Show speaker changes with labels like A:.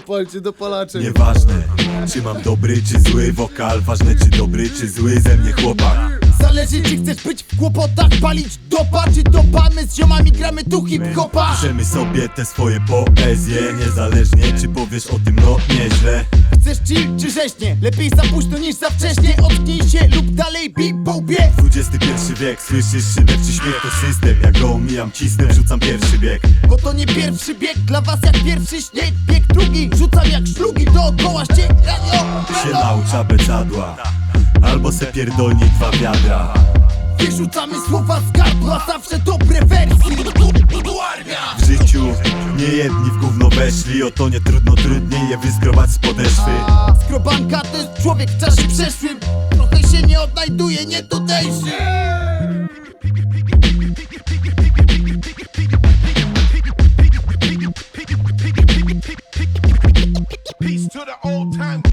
A: Palcie dopalacze.
B: Nieważne, czy mam dobry czy zły wokal, ważne czy dobry czy zły ze mnie chłopak.
C: Zależy czy chcesz być w kłopotach, palić dopa, czy dopamy z ziomami, gramy tu hip-hopa.
B: Piszemy sobie te swoje poezje, niezależnie czy powiesz o tym no nieźle.
C: Chcesz chill czy rzeźnie? Lepiej za późno niż za wcześnie. Otknij się lub dalej bie.
B: XXI wiek, słyszysz szyderczy śmiech, to system. Ja go omijam, cisnę, wrzucam pierwszy bieg.
C: Bo to nie pierwszy bieg, dla was jak pierwszy śnieg. Bieg drugi, rzucam jak szlugi dookoła ściek.
B: Ty się naucz abecadła, albo se pierdolnij 2 wiadra.
C: Wyrzucamy słowa z gardła, zawsze dobre wersje.
B: W życiu nie jedni w gówno weszli, o to nie trudno, trudniej je wyskrobać z podeszwy.
C: Skrobanka to jest człowiek w czasie przeszłym. Trochę się nie odnajduje, nie tutejszy.
D: Peace to the old time